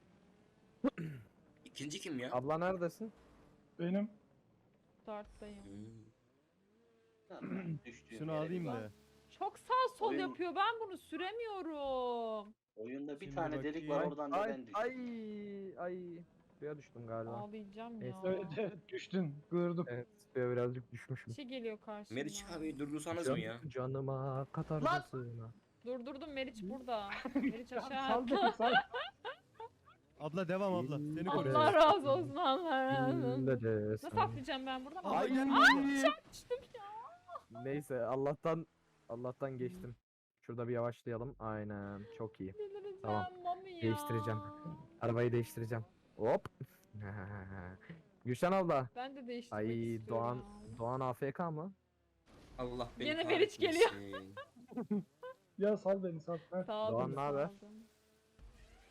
Speaker 4: İkinci kim ya?
Speaker 2: Abla neredesin?
Speaker 3: Benim.
Speaker 1: Starttayım.
Speaker 4: Hmm.
Speaker 6: Tamam, düştüğüm
Speaker 5: Şunu
Speaker 6: yere
Speaker 5: alayım
Speaker 6: bir bak.
Speaker 5: da.
Speaker 1: Çok sağ sol
Speaker 6: Oyun-
Speaker 1: yapıyor. Ben bunu süremiyorum.
Speaker 6: Oyunda bir
Speaker 5: Şimdi
Speaker 6: tane delik var
Speaker 5: bakayım.
Speaker 6: oradan da
Speaker 2: Ay
Speaker 6: ben düştüm.
Speaker 2: ay ay. Suya düştüm galiba.
Speaker 1: Ağlayacağım ya.
Speaker 2: Neyse.
Speaker 3: Evet evet düştün. Gördüm.
Speaker 2: Evet suya birazcık
Speaker 1: Bir
Speaker 2: düşmüşüm.
Speaker 1: şey geliyor karşımdan.
Speaker 4: Meriç abi durdursanız mı ya?
Speaker 2: Can- Canıma katarcasına.
Speaker 1: Durdurdum Meriç burada. Meriç aşağı
Speaker 3: Sal
Speaker 1: attı.
Speaker 3: beni sal.
Speaker 5: Abla devam abla. Seni koruyorum.
Speaker 1: Allah razı olsun Allah razı olsun.
Speaker 2: Ne de
Speaker 1: Nasıl atlayacağım ben buradan?
Speaker 5: Abla
Speaker 1: Ay,
Speaker 5: gelme.
Speaker 1: düştüm ya.
Speaker 2: Neyse Allah'tan Allah'tan geçtim. Şurada bir yavaşlayalım. Aynen çok iyi.
Speaker 1: Delireceğim
Speaker 2: Tamam.
Speaker 1: mami ya.
Speaker 2: Değiştireceğim. Arabayı değiştireceğim. Hop. Gülşen abla.
Speaker 1: Ben de değiştirmek
Speaker 2: Ay
Speaker 1: istiyorum.
Speaker 2: Doğan
Speaker 1: ya.
Speaker 2: Doğan A F K mı?
Speaker 4: Allah beni
Speaker 1: Yine Meriç geliyor.
Speaker 4: kahretmesin.
Speaker 3: Ya sal beni sal. Heh.
Speaker 1: Sağ olun,
Speaker 2: Doğan, naber?
Speaker 1: sağ olun.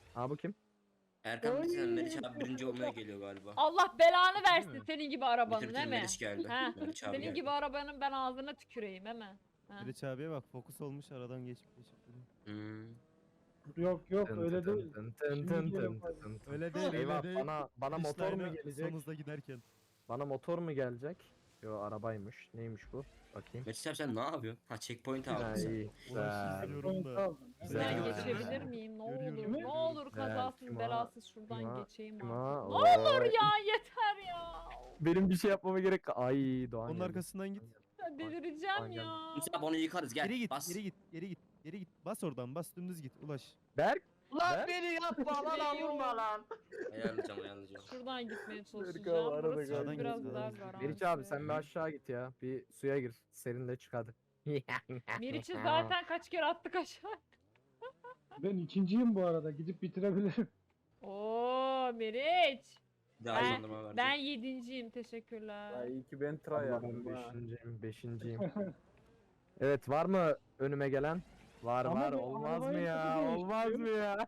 Speaker 2: Aa bu kim?
Speaker 4: Erkan bir
Speaker 3: Oy.
Speaker 4: sen Meriç abi birinci olmaya geliyor galiba.
Speaker 1: Allah belanı
Speaker 5: Değil
Speaker 1: versin
Speaker 5: mi?
Speaker 1: senin gibi arabanın
Speaker 4: Bitir
Speaker 1: değil
Speaker 4: bitir
Speaker 1: mi?
Speaker 4: Meriç geldi.
Speaker 1: Ha,
Speaker 4: Meriç abi
Speaker 1: senin
Speaker 4: geldi.
Speaker 1: gibi arabanın ben ağzına tüküreyim hemen. Ha.
Speaker 5: Meriç abiye bak fokus olmuş aradan geçip geçip duruyor.
Speaker 4: Hmm.
Speaker 3: Yok yok
Speaker 2: Tın
Speaker 3: öyle
Speaker 2: tın
Speaker 3: değil.
Speaker 2: tın tın
Speaker 3: Şimdi
Speaker 2: tın
Speaker 3: geliyor
Speaker 2: tın
Speaker 3: bak.
Speaker 2: tın tın.
Speaker 5: Öyle değil
Speaker 2: Eyvah
Speaker 5: öyle değil.
Speaker 2: bana bana
Speaker 5: Finishline'a
Speaker 2: motor mu gelecek?
Speaker 5: Son hızla giderken.
Speaker 2: Bana motor mu gelecek? Yo arabaymış. Neymiş bu? Bakayım.
Speaker 4: Meriç abi sen ne yapıyorsun? Ha checkpoint
Speaker 2: Ha,
Speaker 4: aldın sen.
Speaker 2: iyi.
Speaker 5: Ulaş
Speaker 2: Güzel.
Speaker 5: izliyorum
Speaker 3: Point
Speaker 5: da.
Speaker 3: aldım.
Speaker 2: Güzel.
Speaker 1: Ben
Speaker 4: Güzel.
Speaker 1: geçebilir miyim? Ne
Speaker 5: Görüyorum.
Speaker 1: olur, ne olur
Speaker 2: Güzel.
Speaker 1: kazasız
Speaker 2: Kim o?
Speaker 1: belasız şuradan
Speaker 2: Kim o?
Speaker 1: geçeyim
Speaker 2: Kim
Speaker 1: artık.
Speaker 2: o?
Speaker 1: Ne olur
Speaker 2: Oy.
Speaker 1: ya yeter ya.
Speaker 2: Benim bir şey yapmama gerek ka- Ay Doğan
Speaker 5: Onun
Speaker 2: geldi.
Speaker 5: arkasından git.
Speaker 1: Ben delireceğim
Speaker 2: Aynen.
Speaker 1: ya.
Speaker 4: Meriç abi onu yıkarız gel.
Speaker 5: Geri git,
Speaker 4: Bas.
Speaker 5: geri git, geri git, geri git. Bas oradan, bas dümdüz git. Ulaş.
Speaker 2: Berk.
Speaker 6: Lan
Speaker 2: Ben-
Speaker 6: beni yapma lan avurma lan.
Speaker 4: Ayarlayacağım ayarlayacağım.
Speaker 1: Şuradan gitmeye
Speaker 7: abi,
Speaker 1: çalışacağım.
Speaker 7: arada
Speaker 1: Burası
Speaker 5: kaldı.
Speaker 1: çünkü biraz
Speaker 5: Sağdan
Speaker 1: daha
Speaker 5: git,
Speaker 1: garanti.
Speaker 2: Meriç abi sen bir aşağı git ya. Bir suya gir. Serinde çık hadi.
Speaker 1: Meriç'i zaten kaç kere attık aşağı.
Speaker 3: Ben ikinciyim bu arada. Gidip bitirebilirim.
Speaker 1: Oo Meriç.
Speaker 4: Daha
Speaker 1: Ben-
Speaker 4: hızlandırma verecek.
Speaker 1: Ben yedinciyim teşekkürler.
Speaker 7: Ya iyi ki ben try
Speaker 2: Abla ben
Speaker 7: yaptım ha.
Speaker 2: beşinciyim. Beşinciyim. Evet var mı önüme gelen? Var
Speaker 3: Ama
Speaker 2: var
Speaker 3: bu
Speaker 2: olmaz mı
Speaker 3: arabayı
Speaker 2: ya?
Speaker 3: nasıl
Speaker 2: Olmaz mı
Speaker 3: değiştiriyor?
Speaker 2: ya?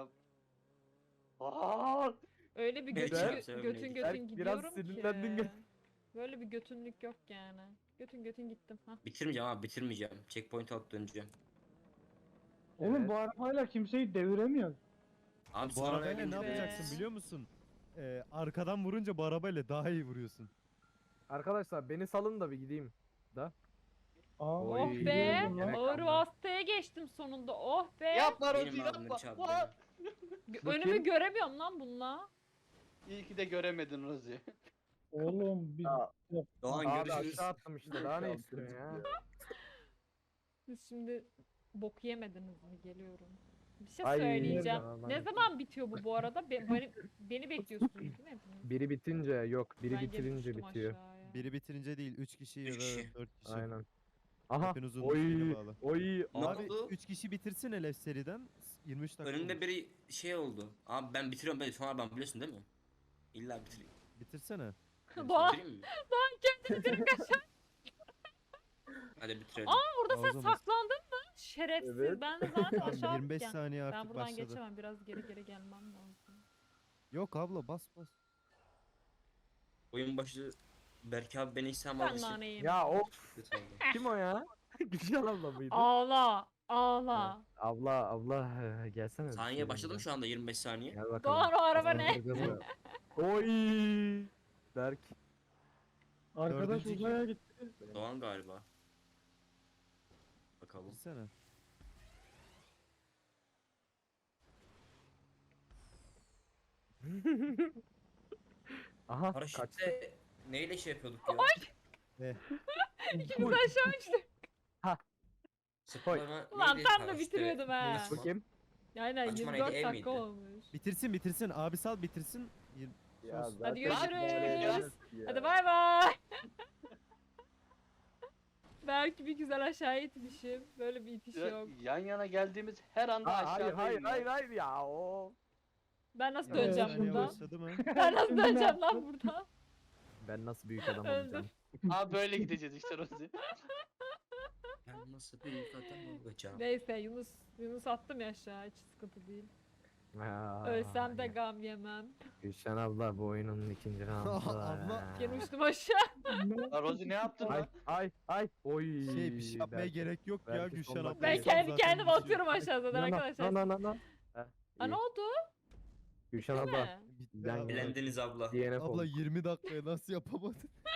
Speaker 6: Aa,
Speaker 1: Öyle bir
Speaker 4: Meriç
Speaker 1: götün,
Speaker 4: abi
Speaker 1: gö-
Speaker 4: sen
Speaker 1: götün
Speaker 4: öyleydi.
Speaker 1: götün
Speaker 2: Berk,
Speaker 1: gidiyorum
Speaker 2: biraz
Speaker 1: ki.
Speaker 2: sinirlendin gö-
Speaker 1: Böyle bir götünlük yok yani. Götün götün gittim. Ha.
Speaker 4: Bitirmeyeceğim abi bitirmeyeceğim. Checkpoint alıp döneceğim.
Speaker 3: Oğlum
Speaker 2: Evet.
Speaker 3: bu arabayla kimseyi deviremiyor.
Speaker 4: Abi
Speaker 5: Bu
Speaker 4: sonra
Speaker 5: arabayla ne
Speaker 4: gelince-
Speaker 5: yapacaksın biliyor musun? Ee, arkadan vurunca bu arabayla daha iyi vuruyorsun.
Speaker 2: Arkadaşlar beni salın da bir gideyim. Da.
Speaker 3: Aa,
Speaker 2: Oy,
Speaker 1: Oh be.
Speaker 3: gidiyordum lan.
Speaker 2: yemek
Speaker 1: Ağır
Speaker 2: aldım.
Speaker 1: vasıtaya geçtim sonunda. Oh be.
Speaker 6: Yapma Rozi
Speaker 4: Benim abi
Speaker 6: yapma.
Speaker 4: Meriç abi.
Speaker 6: Aa,
Speaker 4: benim.
Speaker 1: Gö-
Speaker 2: Bu
Speaker 1: Önümü
Speaker 2: kim?
Speaker 1: göremiyorum lan bununla.
Speaker 6: İyi ki de göremedin Rozi.
Speaker 3: Oğlum bir
Speaker 7: Ya,
Speaker 4: Doğan
Speaker 2: Abi
Speaker 4: görüşürüz.
Speaker 2: aşağı attım işte daha ne
Speaker 7: Şansım
Speaker 2: istiyorsun ya?
Speaker 7: çıktı
Speaker 1: Siz şimdi bok yemediniz mi? Geliyorum. Bir şey
Speaker 2: Ay,
Speaker 1: söyleyeceğim.
Speaker 2: nereden
Speaker 1: Ne
Speaker 2: lan?
Speaker 1: zaman bitiyor bu bu arada? Be- beni, beni bekliyorsunuz değil mi hepiniz?
Speaker 2: Biri bitince yok, biri
Speaker 1: Ben geri
Speaker 2: bitirince
Speaker 1: düştüm
Speaker 2: bitiyor.
Speaker 1: aşağıya.
Speaker 5: Biri bitirince değil, üç kişi ya
Speaker 4: Üç
Speaker 5: da
Speaker 4: kişi.
Speaker 5: dört kişi.
Speaker 2: Aynen. Aha.
Speaker 5: Hepinizin
Speaker 2: Oy,
Speaker 5: şeyine bağlı.
Speaker 2: oy.
Speaker 4: Ne
Speaker 5: Abi
Speaker 4: oldu?
Speaker 5: üç kişi bitirsin hele seriden. yirmi üç dakika
Speaker 4: Önümde
Speaker 5: olmuş.
Speaker 4: biri şey oldu. Abi ben bitiriyorum ben sonra ben biliyorsun değil mi? İlla bitireyim.
Speaker 5: Bitirsene.
Speaker 1: Doğan,
Speaker 4: Bitireyim mi?
Speaker 1: Doğan kendi bitirip kaçar.
Speaker 4: Hadi bitirelim.
Speaker 1: Burada sen
Speaker 5: Ağzımız.
Speaker 1: saklandın mı? Şerefsiz.
Speaker 7: Evet.
Speaker 1: Ben de zaten
Speaker 5: Tamam,
Speaker 1: aşağı
Speaker 5: yirmi beş
Speaker 1: atken-
Speaker 5: saniye
Speaker 1: Ben
Speaker 5: artık
Speaker 1: buradan
Speaker 5: başladı.
Speaker 1: geçemem. Biraz geri geri gelmem lazım.
Speaker 5: Yok abla bas bas.
Speaker 4: Oyun başı Berke abi beni İhsan
Speaker 1: Ben
Speaker 4: almıştı.
Speaker 1: naneyim.
Speaker 2: Ya of
Speaker 4: Kötü oldu.
Speaker 2: kim o ya? Güzel abla mıydı?
Speaker 1: Ağla. Ağla.
Speaker 2: Abla abla gelsene.
Speaker 4: Saniye başladı mı şu anda yirmi beş saniye?
Speaker 2: Gel bakalım.
Speaker 1: Doğan o araba ne?
Speaker 2: Kazandıracağız ya. Oy. Berk.
Speaker 3: arkadaş
Speaker 5: Dördüncü
Speaker 3: uzaya gitti.
Speaker 4: Doğan galiba. Bakalım.
Speaker 5: Bitirsene.
Speaker 2: Aha kaç.
Speaker 4: Paraşütte neyle şey yapıyorduk ya?
Speaker 1: İkimiz aşağı uçtuk.
Speaker 4: Sıplama
Speaker 1: Ulan
Speaker 4: neydi
Speaker 1: tam da
Speaker 4: paraşütte?
Speaker 1: bitiriyordum ha.
Speaker 4: Açma.
Speaker 2: Bakayım.
Speaker 1: Aynen
Speaker 4: Açma
Speaker 1: yirmi dört
Speaker 4: neydi, ev
Speaker 1: dakika
Speaker 4: miydi?
Speaker 1: olmuş.
Speaker 5: Bitirsin bitirsin. Abi sal bitirsin. Yirmi-
Speaker 7: Ya
Speaker 5: Sus.
Speaker 7: zaten
Speaker 1: Hadi görüşürüz.
Speaker 7: ya.
Speaker 1: Hadi bay bay. Belki bir güzel aşağı itmişim. Böyle bir itiş
Speaker 6: Ya-
Speaker 1: yok.
Speaker 6: yan yana geldiğimiz her anda
Speaker 2: Ha, hayır
Speaker 6: aşağıdayım
Speaker 2: hayır
Speaker 6: ya.
Speaker 2: hayır hayır ya o.
Speaker 1: Ben nasıl
Speaker 5: yirmi beş
Speaker 1: döneceğim
Speaker 5: saniye
Speaker 1: buradan?
Speaker 5: başladı mı?
Speaker 1: Ben nasıl
Speaker 3: Şimdi ne
Speaker 1: döneceğim lan
Speaker 3: yaptın?
Speaker 1: buradan?
Speaker 2: Ben nasıl büyük adam
Speaker 1: Öldüm.
Speaker 2: olacağım?
Speaker 6: Abi böyle gideceğiz işte Rozi.
Speaker 4: Ben nasıl büyük adam olacağım?
Speaker 1: Neyse Yunus Yunus attım ya aşağı hiç sıkıntı değil.
Speaker 2: Ha,
Speaker 1: Ölsem de gam yemem.
Speaker 2: Gülşen abla bu oyunun ikinci roundu.
Speaker 5: Abla.
Speaker 1: Gene uçtum aşağı.
Speaker 6: Ya Rozi ne yaptın
Speaker 2: Ay
Speaker 6: lan?
Speaker 2: ay ay. Oy.
Speaker 5: Şey bir şey yapmaya
Speaker 2: Berk.
Speaker 5: gerek yok ya
Speaker 2: belki
Speaker 5: Gülşen
Speaker 2: son
Speaker 5: abla.
Speaker 2: dakika
Speaker 1: Ben
Speaker 2: Neyse,
Speaker 1: kendi
Speaker 5: zaten
Speaker 1: kendime
Speaker 5: düşüyor.
Speaker 1: atıyorum aşağıdan
Speaker 2: Na, na,
Speaker 1: arkadaşlar.
Speaker 2: na, na, na. Heh,
Speaker 1: Ha ne
Speaker 2: iyi.
Speaker 1: oldu?
Speaker 2: Gülşen
Speaker 1: Değil
Speaker 2: abla.
Speaker 1: mi?
Speaker 5: Bitti
Speaker 2: Ben
Speaker 5: abla.
Speaker 4: Elendiniz abla.
Speaker 2: D N F
Speaker 5: Abla
Speaker 2: oldu.
Speaker 5: yirmi dakikaya nasıl yapamadın?